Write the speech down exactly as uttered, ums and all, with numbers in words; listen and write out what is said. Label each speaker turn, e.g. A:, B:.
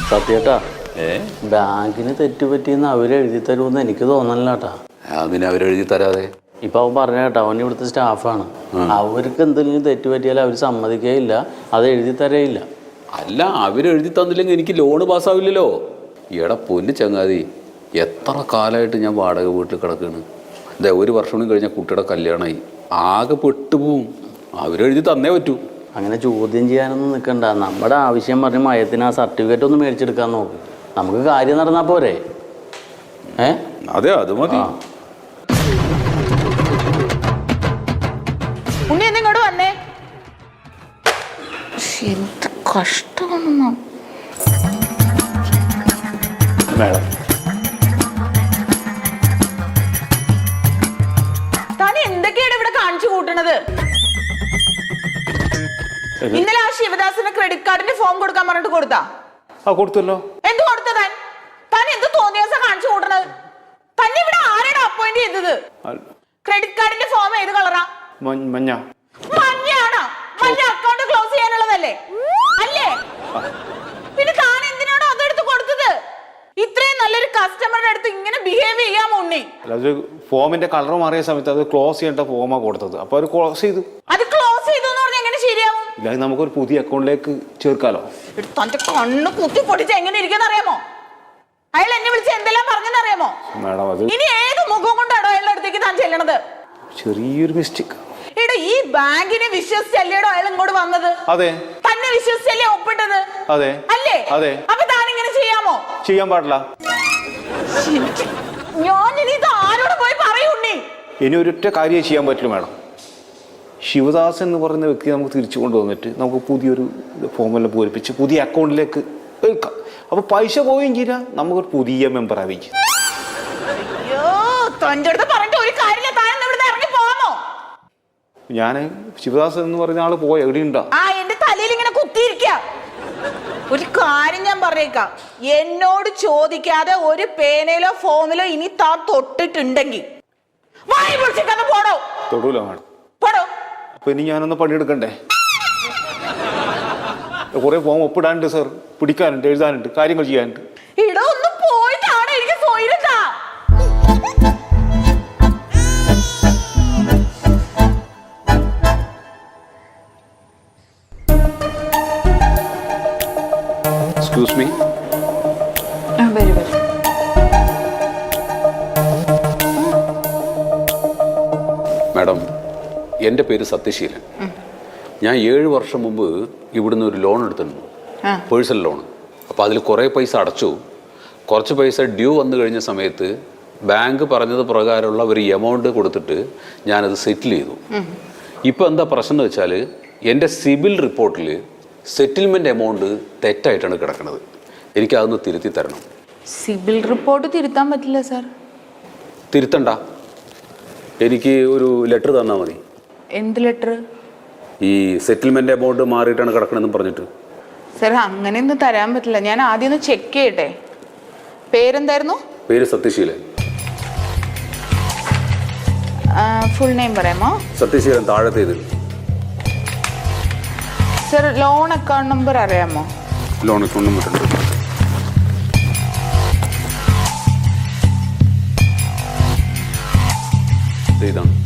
A: സത്യേട്ടാ ബാങ്കിന് തെറ്റുപറ്റിയെന്ന് അവരെഴുതി തരുമെന്ന് എനിക്ക് തോന്നണില്ല കേട്ടാ.
B: അതിന് അവരെഴുതി തരാതെ
A: ഇപ്പൊ അവൻ പറഞ്ഞ കേട്ടോ, അവൻ ഇവിടുത്തെ സ്റ്റാഫാണ്. അവർക്ക് എന്തെങ്കിലും തെറ്റുപറ്റിയാൽ അവർ സമ്മതിക്കുകയില്ല, അത് എഴുതി തരയില്ല.
B: അല്ല, അവരെഴുതി തന്നില്ലെങ്കിൽ എനിക്ക് ലോണ് പാസ്സാവില്ലല്ലോ. എടാ പൊന്നു ചങ്ങാതി, എത്ര കാലമായിട്ട് ഞാൻ വാടക വീട്ടിൽ കിടക്കുകയാണ്. ഇതേ ഒരു വർഷം കൂടി കഴിഞ്ഞാൽ കുട്ടിയുടെ കല്യാണമായി, ആകെ പെട്ടുപോവും. അവരെഴുതി തന്നേ പറ്റൂ.
A: അങ്ങനെ ചോദ്യം ചെയ്യാനൊന്നും നിൽക്കണ്ട. നമ്മുടെ ആവശ്യം പറഞ്ഞ് മയത്തിന് ആ സർട്ടിഫിക്കറ്റ് ഒന്ന് മേടിച്ചെടുക്കാൻ നോക്ക്. നമുക്ക് കാര്യം നടന്നാൽ പോരെ? ഏ
B: അതെ, അത് മതി.
C: ഉണ്ണി എന്നിങ്ങോട്ട് വന്നേ. എന്ത് കഷ്ടമാണ്
A: മേഡം.
C: താൻ എന്തൊക്കെയാണ് ഇവിടെ കാണിച്ചു കൂട്ടണത്? ഇന്നലെ ആ ശിവദാസിന് ക്രെഡിറ്റ് കാർഡിന്റെ ഫോം കൊടുക്കാൻ പറഞ്ഞിട്ട് കൊടുത്താ?
D: ആ കൊടുത്തല്ലോ.
C: എന്ത് കൊടുത്ത താൻ? താൻ എന്ത് തോന്നിയ കാണിച്ചു കൂട്ടണത്? തന്നെ ഇവിടെ ആരാണ് അപ്പോയിന്റ് ചെയ്തത്? ക്രെഡിറ്റ് കാർഡിന്റെ ഫോം ഏത് കളറാ?
D: മഞ്ഞ.
C: മഞ്ഞയാണോ? മഞ്ഞ അക്കൗണ്ട് ക്ലോസ് ചെയ്യാനുള്ളതല്ലേ അല്ലേ? പിന്നെ താൻ എന്തിനാണോ അതെടുത്ത് കൊടുത്തത്? ഇത്രയും നല്ലൊരു കസ്റ്റമറുടെ അടുത്ത് ഇങ്ങനെ ബിഹേവ് ചെയ്യാമോ ഉണ്ണി?
D: അത് ഫോമിന്റെ കളർ മാറിയ സമയത്ത് അത് ക്ലോസ് ചെയ്യേണ്ട ഫോമാ കൊടുത്തത്. അപ്പൊ അത് ക്ലോസ് ചെയ്തു.
C: അത് ക്ലോസ് ചെയ്തു എന്ന് പറഞ്ഞാൽ എങ്ങനെ ശരിയാവും?
D: ഇല്ല, നമുക്കൊരു പുതിയ അക്കൗണ്ടിലേക്ക് ചേർക്കാലോ.
C: തന്റെ കണ്ണ് കുത്തി പൊട്ടിച്ച് എങ്ങനെ ഇരിക്കുന്ന അറിയാമോ? അയാൾ എന്നെ വിളിച്ച് എന്തെല്ലാം പറഞ്ഞെന്നറിയാമോ?
D: മാഡം, അത്
C: ഇനി ഏത് മുഖം കൊണ്ടാണോ അയാളുടെ അടുത്തേക്ക് താൻ ചെല്ലണത്?
D: ചെറിയൊരു മിസ്റ്റേക്ക്.
C: ഇവിടെ ഈ ബാങ്കിനെ വിശ്വസിച്ചല്ലേടോ അയാൾ ഇങ്ങോട്ട് വന്നത്?
D: അതെ.
C: തന്നെ വിശ്വസിച്ചല്ലേ ഒപ്പിട്ടത്?
D: അതെ.
C: അല്ലേ?
D: അതെ.
C: അപ്പൊ താൻ ഇങ്ങനെ ചെയ്യാമോ?
D: ചെയ്യാൻ പാടില്ല.
C: ഞാൻ ഇനി ഇത് ആരോട് പോയി പറയൂണ്ണി?
D: ഇനി ഒരൊറ്റ കാര്യം ചെയ്യാൻ പറ്റില്ല മാഡം. ശിവദാസൻ എന്ന് പറയുന്ന വ്യക്തി നമുക്ക് തിരിച്ചു കൊണ്ടുവന്നിട്ട് നമുക്ക് പുതിയൊരു ഫോമെല്ലാം പൂരിപ്പിച്ച് പുതിയ അക്കൗണ്ടിലേക്ക് എടുക്കാം. അപ്പൊ പൈസ പോവുകയും ചെയ്യാം, നമുക്കൊരു പുതിയ മെമ്പർ ആവുകയും ചെയ്യും.
C: അയ്യോ, തന്റെ അടുത്ത് പറഞ്ഞിട്ട് ഒരു കാര്യമില്ല. താൻ ഇവിടുന്ന് ഇറങ്ങി പോകാമോ?
D: ഞാൻ ശിവദാസൻ എന്ന് പറയുന്ന ആള് പോയ എവിടെയുണ്ടോ?
C: ആ, എന്റെ തലയിൽ ഇങ്ങനെ കുത്തിയിരിക്ക. ഒരു കാര്യം ഞാൻ പറഞ്ഞേക്കാം, എന്നോട് ചോദിക്കാതെ ഒരു പേനയിലോ ഫോമിലോ ഇനി താൻ തൊട്ടിട്ടുണ്ടെങ്കിൽ വായി പൊളിച്ചിട്ടൊന്ന് പോടോ.
D: തൊടൂല മാഡം.
C: പോടോ.
D: അപ്പൊ ഇനി ഞാനൊന്ന് പണിയെടുക്കണ്ടേ? കുറെ ഫോം ഒപ്പിടാനുണ്ട് സാർ, പിടിക്കാനുണ്ട്, എഴുതാനുണ്ട്, കാര്യങ്ങൾ ചെയ്യാനുണ്ട്.
C: ഇട ഒന്ന് പോയിട്ടാണ് എനിക്ക് പോയിരുന്നാ.
B: Excuse me. മാഡം, എൻ്റെ പേര് സത്യശീലൻ. ഞാൻ ഏഴ് വർഷം മുമ്പ് ഇവിടുന്ന് ഒരു ലോൺ എടുത്തിരുന്നു, പേഴ്സണൽ ലോൺ. അപ്പോൾ അതിൽ കുറേ പൈസ അടച്ചു. കുറച്ച് പൈസ ഡ്യൂ വന്നു കഴിഞ്ഞ സമയത്ത് ബാങ്ക് പറഞ്ഞത് പ്രകാരമുള്ള ഒരു എമൗണ്ട് കൊടുത്തിട്ട് ഞാനത് സെറ്റിൽ ചെയ്തു. ഇപ്പോൾ എന്താ പ്രശ്നം എന്ന് വെച്ചാൽ എൻ്റെ സിബിൽ റിപ്പോർട്ടിൽ സെറ്റിൽമെൻറ്റ് എമൗണ്ട് തെറ്റായിട്ടാണ് കിടക്കുന്നത്. എനിക്കതൊന്ന് തിരുത്തി തരണം.
E: സിബിൽ റിപ്പോർട്ട് തിരുത്താൻ പറ്റില്ല സാർ.
B: തിരുത്തണ്ട, എനിക്ക് ഒരു ലെറ്റർ തന്നാൽ മതി.
E: എന്ത് ലെറ്റർ?
B: ഈ സെറ്റിൽമെന്റ് എമൗണ്ട് മാറിയിട്ടാണ് കിടക്കണമെന്ന് പറഞ്ഞിട്ട്.
E: സാർ അങ്ങനെയൊന്നും തരാൻ പറ്റില്ല. ഞാൻ ആദ്യം ഒന്ന് ചെക്ക് ചെയ്യട്ടെ. പേരെന്തായിരുന്നു?
B: പേര് സത്യശീലൻ.
E: ഫുൾ നെയിം പറയാമോ?
B: സത്യശീലൻ താഴത്തേത്.
E: സാർ ലോൺ അക്കൗണ്ട് നമ്പർ അറിയാമോ?
B: ലോൺ അക്കൗണ്ട് നമ്പർ ഉണ്ട്. ഇതാണ്.